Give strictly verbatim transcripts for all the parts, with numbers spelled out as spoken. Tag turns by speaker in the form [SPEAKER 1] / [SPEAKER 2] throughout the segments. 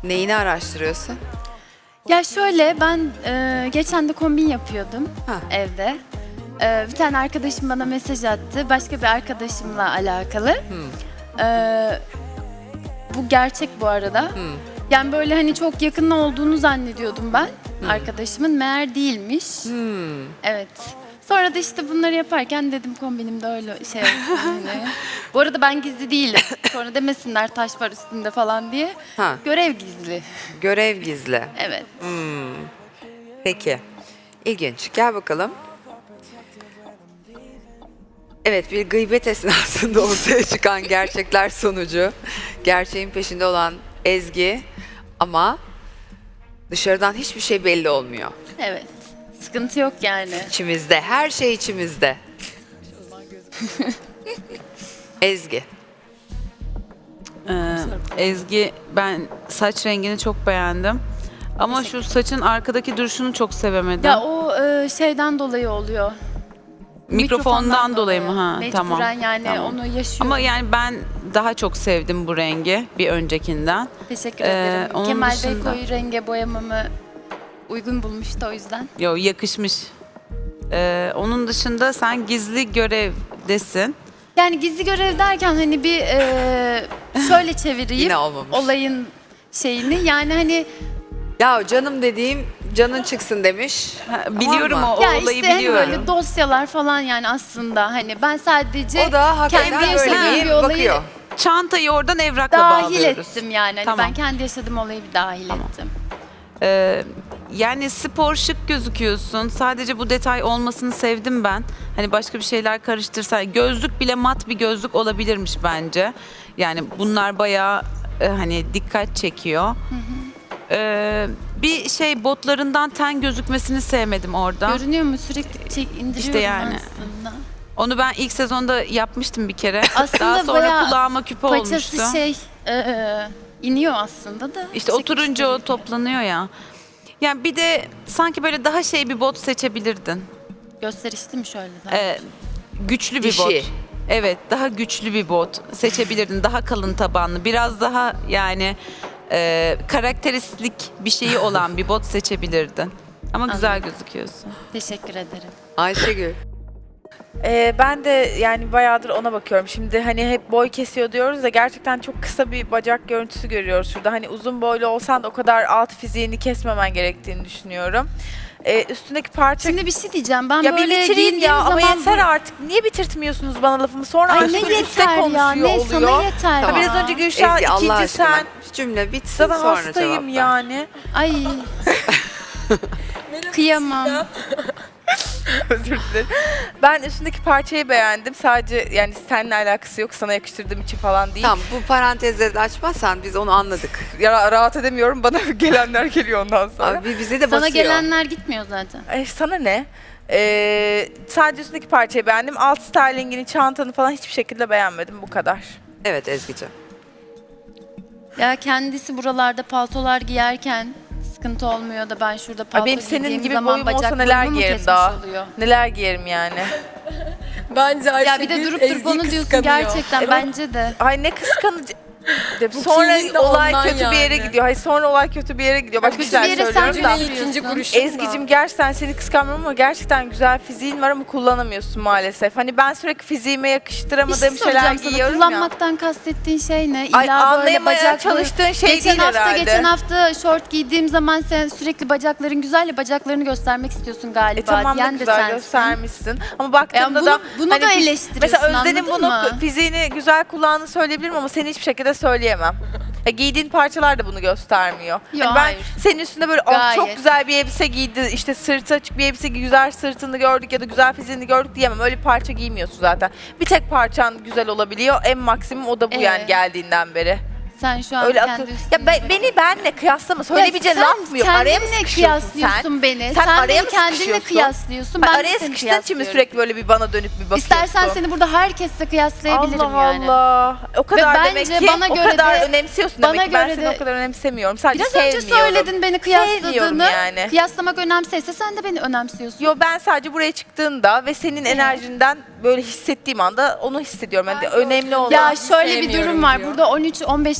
[SPEAKER 1] Neyini araştırıyorsun?
[SPEAKER 2] Ya şöyle ben e, geçen de kombin yapıyordum
[SPEAKER 1] Ha.
[SPEAKER 2] evde. E, bir tane arkadaşım bana mesaj attı. Başka bir arkadaşımla alakalı.
[SPEAKER 1] Hmm.
[SPEAKER 2] E, bu gerçek bu arada.
[SPEAKER 1] Hmm.
[SPEAKER 2] Yani böyle hani çok yakın olduğunu zannediyordum ben arkadaşımın. Meğer değilmiş.
[SPEAKER 1] Hmm.
[SPEAKER 2] Evet. Sonra da işte bunları yaparken dedim kombinimde öyle şey olsun hani. Bu arada ben gizli değilim. Sonra demesinler taş var üstünde falan diye.
[SPEAKER 1] Ha.
[SPEAKER 2] Görev gizli.
[SPEAKER 1] Görev gizli.
[SPEAKER 2] Evet.
[SPEAKER 1] Hmm. Peki. İlginç. Gel bakalım. Evet, bir gıybet esnasında ortaya çıkan gerçekler sonucu. Gerçeğin peşinde olan Ezgi ama dışarıdan hiçbir şey belli olmuyor.
[SPEAKER 2] Evet. Sıkıntı yok yani.
[SPEAKER 1] İçimizde, her şey içimizde. Ezgi.
[SPEAKER 3] Ee, Ezgi, ben saç rengini çok beğendim. Ama şu saçın arkadaki duruşunu çok sevemedim.
[SPEAKER 2] Ya o e, şeyden dolayı oluyor.
[SPEAKER 3] Mikrofondan dolayı mı? Ha,
[SPEAKER 2] Mecburen
[SPEAKER 3] tamam.
[SPEAKER 2] yani
[SPEAKER 3] tamam.
[SPEAKER 2] onu yaşıyorum.
[SPEAKER 3] Ama yani ben daha çok sevdim bu rengi bir öncekinden.
[SPEAKER 2] Teşekkür
[SPEAKER 3] Ee,
[SPEAKER 2] ederim.
[SPEAKER 3] onun
[SPEAKER 2] Kemal Bey
[SPEAKER 3] dışında-
[SPEAKER 2] koyu renge boyamamı uygun bulmuştu o yüzden.
[SPEAKER 3] Yo, yakışmış. Ee, onun dışında sen gizli görevdesin.
[SPEAKER 2] Yani gizli görev derken hani bir e, şöyle çevireyim
[SPEAKER 1] Yine olmamış.
[SPEAKER 2] olayın şeyini. Yani hani
[SPEAKER 1] Ya canım dediğim canın çıksın demiş.
[SPEAKER 3] Ha, biliyorum
[SPEAKER 1] mı?
[SPEAKER 3] o, o
[SPEAKER 2] ya
[SPEAKER 3] olayı
[SPEAKER 2] işte hani
[SPEAKER 3] biliyorum.
[SPEAKER 2] böyle dosyalar falan yani aslında hani ben sadece
[SPEAKER 1] O da hakikaten
[SPEAKER 2] kendi
[SPEAKER 1] böyle
[SPEAKER 2] yaşadığım
[SPEAKER 1] bir
[SPEAKER 2] bir olayı
[SPEAKER 1] bakıyor.
[SPEAKER 3] Çantayı oradan evrakla
[SPEAKER 2] dahil
[SPEAKER 3] bağlıyoruz.
[SPEAKER 2] ettim yani. Hani
[SPEAKER 3] Tamam.
[SPEAKER 2] ben kendi yaşadığım olayı bir dahil
[SPEAKER 3] Tamam.
[SPEAKER 2] ettim.
[SPEAKER 3] Ee, yani spor şık gözüküyorsun. Sadece bu detay olmasını sevdim ben. Hani başka bir şeyler karıştırsan. Gözlük bile mat bir gözlük olabilirmiş bence. Yani bunlar bayağı e, hani dikkat çekiyor. Ee, bir şey botlarından ten gözükmesini sevmedim orada.
[SPEAKER 2] Görünüyor mu? Sürekli çek, indiriyorum
[SPEAKER 3] İşte yani.
[SPEAKER 2] aslında.
[SPEAKER 3] Onu ben ilk sezonda yapmıştım bir kere.
[SPEAKER 2] Aslında
[SPEAKER 3] Daha sonra
[SPEAKER 2] bayağı
[SPEAKER 3] kulağıma küpe olmuştu.
[SPEAKER 2] Paçası şey e, iniyor aslında da.
[SPEAKER 3] İşte oturunca o toplanıyor ya. Yani bir de sanki böyle daha şey bir bot seçebilirdin.
[SPEAKER 2] Gösterişli mi şöyle daha?
[SPEAKER 3] Ee, güçlü bir
[SPEAKER 1] Dişi.
[SPEAKER 3] bot. Evet, daha güçlü bir bot seçebilirdin. Daha kalın tabanlı, biraz daha yani e, karakteristik bir şeyi olan bir bot seçebilirdin. Ama güzel
[SPEAKER 2] Anladım.
[SPEAKER 3] gözüküyorsun.
[SPEAKER 2] Teşekkür ederim.
[SPEAKER 1] Ayşegül.
[SPEAKER 4] Ee, ben de yani bayağıdır ona bakıyorum. Şimdi hani hep boy kesiyor diyoruz da gerçekten çok kısa bir bacak görüntüsü görüyoruz şurada. Hani uzun boylu olsan da o kadar alt fiziğini kesmemen gerektiğini düşünüyorum. Ee, üstündeki parça...
[SPEAKER 2] Şimdi bir şey diyeceğim. Ben
[SPEAKER 4] ya bir
[SPEAKER 2] böyle
[SPEAKER 4] bitireyim
[SPEAKER 2] giyindiğim
[SPEAKER 4] ya ama
[SPEAKER 2] zaman...
[SPEAKER 4] yeter artık. Niye bitirtmiyorsunuz bana lafımı? Sonra
[SPEAKER 2] Ay
[SPEAKER 4] aşkı
[SPEAKER 2] ne
[SPEAKER 4] üste
[SPEAKER 2] yeter ya?
[SPEAKER 4] konuşuyor
[SPEAKER 2] Ne sana
[SPEAKER 4] oluyor.
[SPEAKER 2] yeter
[SPEAKER 1] Tamam.
[SPEAKER 4] Ha,
[SPEAKER 2] ya?
[SPEAKER 4] biraz önce Gülşah,
[SPEAKER 1] Ezgi Allah
[SPEAKER 4] ikinci
[SPEAKER 1] aşkına.
[SPEAKER 4] sen.
[SPEAKER 1] Cümle bitsin
[SPEAKER 4] Zaten
[SPEAKER 1] sonra
[SPEAKER 4] hastayım
[SPEAKER 1] cevap ver.
[SPEAKER 4] yani.
[SPEAKER 2] Ay. Kıyamam.
[SPEAKER 4] Özür dilerim. Ben üstündeki parçayı beğendim. Sadece yani seninle alakası yok. Sana yakıştırdığım için falan değil.
[SPEAKER 1] Tamam, bu parantezleri de açmazsan biz onu anladık.
[SPEAKER 4] Ya, rahat edemiyorum. Bana gelenler geliyor ondan sonra.
[SPEAKER 1] Abi bize de
[SPEAKER 2] Sana
[SPEAKER 1] basıyor.
[SPEAKER 2] gelenler gitmiyor zaten.
[SPEAKER 4] Ay, sana ne? Ee, sadece üstündeki parçayı beğendim. Alt stylingini, çantanı falan hiçbir şekilde beğenmedim. Bu kadar.
[SPEAKER 1] Evet Ezgi'ciğim.
[SPEAKER 2] Ya kendisi buralarda paltolar giyerken sıkıntı olmuyor da ben şurada palto
[SPEAKER 4] benim senin
[SPEAKER 2] giydiğim
[SPEAKER 4] gibi
[SPEAKER 2] zaman
[SPEAKER 4] boyum olsa
[SPEAKER 2] bacak
[SPEAKER 4] neler
[SPEAKER 2] boyumu mu
[SPEAKER 4] giyerim
[SPEAKER 2] kesmiş
[SPEAKER 4] daha?
[SPEAKER 2] oluyor?
[SPEAKER 4] Neler giyerim yani.
[SPEAKER 5] Bence Ayşegül
[SPEAKER 2] Ya bir de durup durup onu diyorsun gerçekten
[SPEAKER 4] Evet.
[SPEAKER 2] bence de.
[SPEAKER 4] Ay ne kıskanıcı.
[SPEAKER 5] Bu
[SPEAKER 4] Sonra
[SPEAKER 5] kilin de
[SPEAKER 4] olay
[SPEAKER 5] ondan
[SPEAKER 4] kötü bir yere
[SPEAKER 5] yani.
[SPEAKER 4] gidiyor. Hayır sonra olay kötü bir yere gidiyor. Bak
[SPEAKER 2] Kötü
[SPEAKER 4] güzel
[SPEAKER 2] bir yere sen
[SPEAKER 4] söylüyorum da.
[SPEAKER 2] bile
[SPEAKER 5] ikinci
[SPEAKER 2] Ezgi'cim,
[SPEAKER 5] kuruşum
[SPEAKER 4] Ezgi'cim gerçekten seni kıskanmıyorum ama gerçekten güzel fiziğin var ama kullanamıyorsun maalesef. Hani ben sürekli fiziğime
[SPEAKER 2] Bir şey
[SPEAKER 4] yakıştıramadığım şeyler
[SPEAKER 2] soracağım sana.
[SPEAKER 4] giyiyorum ya.
[SPEAKER 2] Kullanmaktan kastettiğin şey ne? İlla
[SPEAKER 4] Ay,
[SPEAKER 2] böyle
[SPEAKER 4] anlayamaya
[SPEAKER 2] bacaklı-
[SPEAKER 4] çalıştığın şey
[SPEAKER 2] geçen
[SPEAKER 4] değil
[SPEAKER 2] hafta,
[SPEAKER 4] herhalde.
[SPEAKER 2] Geçen hafta şort giydiğim zaman sen sürekli bacakların güzel ya bacaklarını göstermek istiyorsun galiba.
[SPEAKER 4] E tamam da
[SPEAKER 2] diyen de
[SPEAKER 4] güzel
[SPEAKER 2] sensin.
[SPEAKER 4] göstermişsin. Ama baktığımda
[SPEAKER 2] Yani bunu-
[SPEAKER 4] da
[SPEAKER 2] bunu da
[SPEAKER 4] fis-
[SPEAKER 2] eleştiriyorsun,
[SPEAKER 4] Mesela Özden'in
[SPEAKER 2] anladın
[SPEAKER 4] bunu
[SPEAKER 2] mı?
[SPEAKER 4] fiziğini güzel kullandığını söyleyebilirim ama seni hiçbir şekilde söyleyemem. Ya giydiğin parçalar da bunu göstermiyor.
[SPEAKER 2] Yo,
[SPEAKER 4] Hani ben
[SPEAKER 2] hayır.
[SPEAKER 4] senin üstünde böyle "Ah, çok
[SPEAKER 2] Gayet.
[SPEAKER 4] güzel bir elbise giydi, işte sırtı açık bir elbise giydi, güzel sırtını gördük ya da güzel fiziğini gördük diyemem. Öyle bir parça giymiyorsun zaten. Bir tek parçan güzel olabiliyor. En maksimum o da bu
[SPEAKER 2] Ee?
[SPEAKER 4] yani geldiğinden beri.
[SPEAKER 2] Sen şu an
[SPEAKER 4] Öyle
[SPEAKER 2] kendi
[SPEAKER 4] akıl.
[SPEAKER 2] üstüne
[SPEAKER 4] Ya ben, beni benle kıyaslama. Söyleyebileceğin laf mı yok? Araya mı
[SPEAKER 2] kendinle
[SPEAKER 4] sıkışıyorsun
[SPEAKER 2] kıyaslıyorsun
[SPEAKER 4] sen?
[SPEAKER 2] beni.
[SPEAKER 4] Sen
[SPEAKER 2] Sen,
[SPEAKER 4] araya
[SPEAKER 2] beni
[SPEAKER 4] mı
[SPEAKER 2] kendinle
[SPEAKER 4] sıkışıyorsun?
[SPEAKER 2] kıyaslıyorsun.
[SPEAKER 4] Ben
[SPEAKER 2] Ben de
[SPEAKER 4] araya
[SPEAKER 2] seni
[SPEAKER 4] sıkıştığın için mi
[SPEAKER 2] kıyaslıyorum.
[SPEAKER 4] sürekli böyle bir bana dönüp bir bakıyorsun?
[SPEAKER 2] İstersen seni burada herkesle kıyaslayabilirim
[SPEAKER 4] Allah
[SPEAKER 2] yani.
[SPEAKER 4] Allah. O kadar
[SPEAKER 2] Ve
[SPEAKER 4] demek
[SPEAKER 2] bence
[SPEAKER 4] ki
[SPEAKER 2] bana
[SPEAKER 4] o
[SPEAKER 2] göre
[SPEAKER 4] kadar
[SPEAKER 2] de-
[SPEAKER 4] önemsiyorsun
[SPEAKER 2] bana
[SPEAKER 4] demek ki. Ben
[SPEAKER 2] göre
[SPEAKER 4] seni
[SPEAKER 2] de-
[SPEAKER 4] o kadar önemsemiyorum. Sadece
[SPEAKER 2] Biraz önce
[SPEAKER 4] sevmiyorum.
[SPEAKER 2] söyledin beni
[SPEAKER 4] Sevmiyorum
[SPEAKER 2] kıyasladığını.
[SPEAKER 4] yani.
[SPEAKER 2] Kıyaslamak önemseyse sen de beni önemsiyorsun.
[SPEAKER 4] Yo ben sadece buraya çıktığında ve senin enerjinden böyle hissettiğim anda onu hissediyorum. Yani önemli olan.
[SPEAKER 2] Ya şöyle bir
[SPEAKER 5] sevmiyorum
[SPEAKER 2] durum var.
[SPEAKER 5] diyor.
[SPEAKER 2] Burada on üç on beş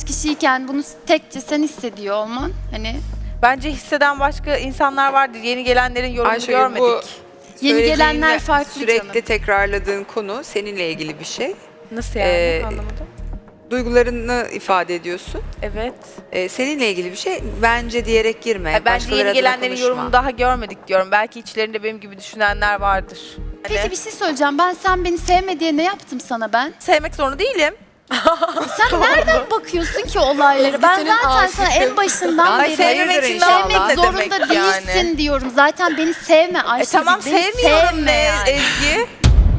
[SPEAKER 2] kişiyken bunu tekçe sen hissediyor olman hani
[SPEAKER 4] Bence hisseden başka insanlar vardır. Yeni gelenlerin yorumunu
[SPEAKER 1] Ayşegül,
[SPEAKER 4] görmedik.
[SPEAKER 1] bu
[SPEAKER 2] yeni
[SPEAKER 1] söylediğin
[SPEAKER 2] gelenler
[SPEAKER 1] ve
[SPEAKER 2] farklı
[SPEAKER 1] sürekli
[SPEAKER 2] canım.
[SPEAKER 1] tekrarladığın konu seninle ilgili bir şey.
[SPEAKER 4] Nasıl yani?
[SPEAKER 1] Ee,
[SPEAKER 4] Anlamadım.
[SPEAKER 1] Duygularını ifade ediyorsun.
[SPEAKER 4] Evet.
[SPEAKER 1] Ee, seninle ilgili bir şey. Bence diyerek girme.
[SPEAKER 4] Ay, bence
[SPEAKER 1] Başkaları
[SPEAKER 4] yeni
[SPEAKER 1] adına
[SPEAKER 4] gelenlerin
[SPEAKER 1] konuşma.
[SPEAKER 4] yorumunu daha görmedik diyorum. Belki içlerinde benim gibi düşünenler vardır. Hani
[SPEAKER 2] Peki bir şey söyleyeceğim. Ben sen beni sevme diye ne yaptım sana ben?
[SPEAKER 4] sevmek zorunda değilim.
[SPEAKER 2] Sen nereden bakıyorsun ki olaylara? Ben
[SPEAKER 5] senin
[SPEAKER 2] zaten sana
[SPEAKER 5] aşıkın.
[SPEAKER 2] en başından
[SPEAKER 1] Ay,
[SPEAKER 2] beri
[SPEAKER 1] sevmemek için
[SPEAKER 2] sevmek
[SPEAKER 1] ne
[SPEAKER 2] zorunda
[SPEAKER 4] demek
[SPEAKER 2] değilsin
[SPEAKER 4] yani?
[SPEAKER 2] diyorum. Zaten beni sevme
[SPEAKER 4] E
[SPEAKER 2] Ayşegül.
[SPEAKER 4] tamam
[SPEAKER 2] beni
[SPEAKER 4] sevmiyorum
[SPEAKER 2] sevme
[SPEAKER 4] ne
[SPEAKER 2] yani.
[SPEAKER 4] Ezgi?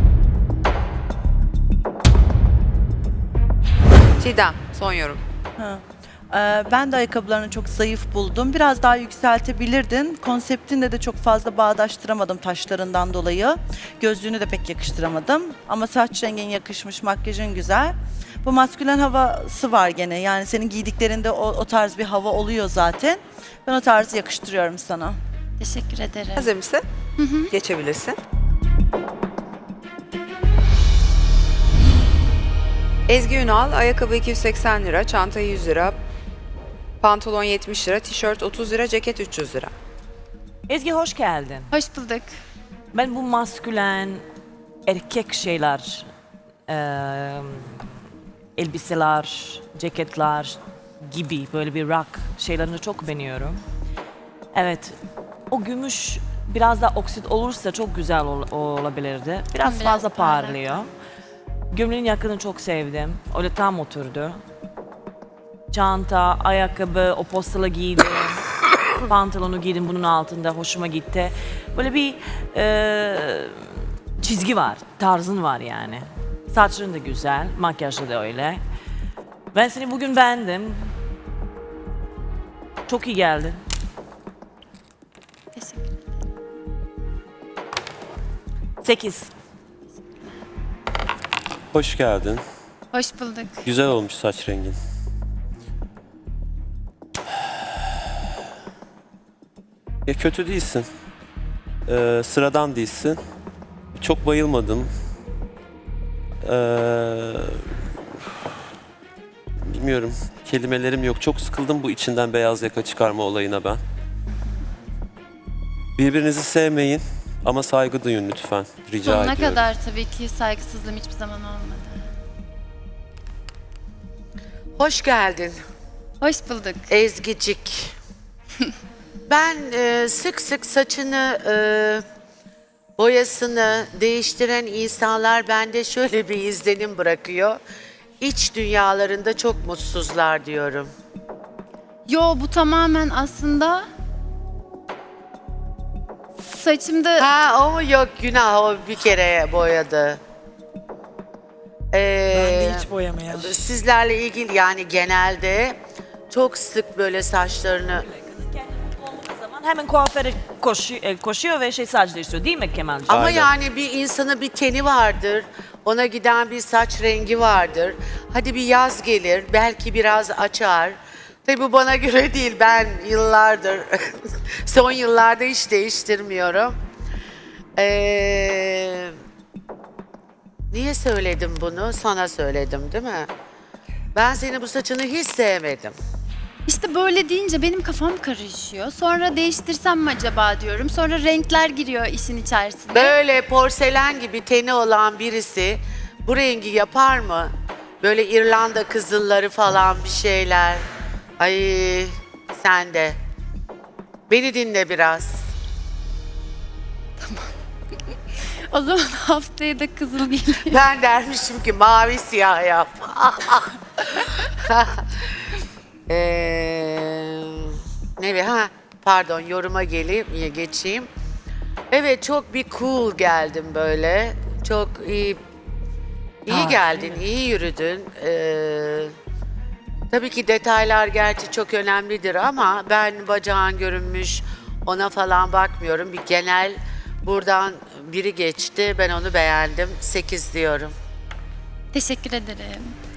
[SPEAKER 1] Çiğdem, son yorum.
[SPEAKER 6] Ha. Ee, ben de ayakkabılarını çok zayıf buldum. Biraz daha yükseltebilirdin. Konseptinle de çok fazla bağdaştıramadım taşlarından dolayı. Gözlüğünü de pek yakıştıramadım. Ama saç rengin yakışmış, makyajın güzel. Bu maskülen havası var gene. Yani senin giydiklerinde o, o tarz bir hava oluyor zaten. Ben o tarzı yakıştırıyorum sana.
[SPEAKER 2] Teşekkür ederim.
[SPEAKER 1] Hazır mısın? Geçebilirsin. Ezgi Ünal, ayakkabı iki yüz seksen lira, çanta yüz lira, pantolon yetmiş lira, tişört otuz lira, ceket üç yüz lira.
[SPEAKER 7] Ezgi hoş geldin.
[SPEAKER 2] Hoş bulduk.
[SPEAKER 7] Ben bu maskülen erkek şeyler, eee, elbiseler, ceketler gibi böyle bir rock şeylerini çok beğeniyorum. Evet, o gümüş biraz da oksit olursa çok güzel ol- olabilirdi. Biraz,
[SPEAKER 2] Biraz
[SPEAKER 7] fazla
[SPEAKER 2] parlak.
[SPEAKER 7] parlıyor. Gömleğin yakını çok sevdim. Öyle tam oturdu. Çanta, ayakkabı, o postalı giydim. Pantolonu giydim bunun altında hoşuma gitti. Böyle bir e, çizgi var, tarzın var yani. Saçların da güzel, makyajlı da öyle. Ben seni bugün beğendim. Çok iyi geldin.
[SPEAKER 2] Teşekkür ederim.
[SPEAKER 7] Sekiz.
[SPEAKER 8] Hoş geldin.
[SPEAKER 2] Hoş bulduk.
[SPEAKER 8] Güzel olmuş saç rengin. Ya kötü değilsin. Ee, sıradan değilsin. Çok bayılmadım. Ee, bilmiyorum. Kelimelerim yok. Çok sıkıldım bu içinden beyaz yaka çıkarma olayına ben. Birbirinizi sevmeyin ama saygı duyun lütfen. Rica
[SPEAKER 2] Sonuna
[SPEAKER 8] ediyorum.
[SPEAKER 2] kadar tabii ki saygısızlığım hiçbir zaman olmadı.
[SPEAKER 9] Hoş geldin
[SPEAKER 2] Hoş bulduk.
[SPEAKER 9] Ezgicik. Ben e, sık sık saçını, e, boyasını değiştiren insanlar bende şöyle bir izlenim bırakıyor. İç dünyalarında çok mutsuzlar diyorum.
[SPEAKER 2] Yo bu tamamen aslında saçımda
[SPEAKER 9] Ha o mu yok günah o bir kere boyadı. Ee,
[SPEAKER 5] Hiç boyamayan.
[SPEAKER 9] Sizlerle ilgili yani genelde çok sık böyle saçlarını
[SPEAKER 7] Zaman hemen kuaföre koşuyor, e, koşuyor ve şey saç değiştiriyor değil mi Kemal'cığım?
[SPEAKER 9] ama
[SPEAKER 8] Aynen.
[SPEAKER 9] yani bir insana bir teni vardır. Ona giden bir saç rengi vardır. Hadi bir yaz gelir, belki biraz açar. Tabii bu bana göre değil. Ben yıllardır, son yıllarda hiç değiştirmiyorum. Ee, niye söyledim bunu? Sana söyledim değil mi? Ben senin bu saçını hiç sevmedim.
[SPEAKER 2] işte böyle deyince benim kafam karışıyor. Sonra değiştirsem mi acaba diyorum. Sonra renkler giriyor işin içerisine.
[SPEAKER 9] Böyle porselen gibi teni olan birisi bu rengi yapar mı? Böyle İrlanda kızılları falan bir şeyler. Ay sen de. Beni dinle biraz.
[SPEAKER 2] O zaman haftaya da kızıl geliyor.
[SPEAKER 9] Ben dermişim ki mavi siyah yap. Ee, ne ha pardon yoruma geleyim geçeyim. Evet çok bir cool geldim böyle. Çok iyi iyi geldin, iyi yürüdün. Ee, tabii ki detaylar gerçi çok önemlidir ama ben bacağın görünmüş ona falan bakmıyorum. Bir genel buradan biri geçti. Ben onu beğendim. sekiz diyorum.
[SPEAKER 2] Teşekkür ederim.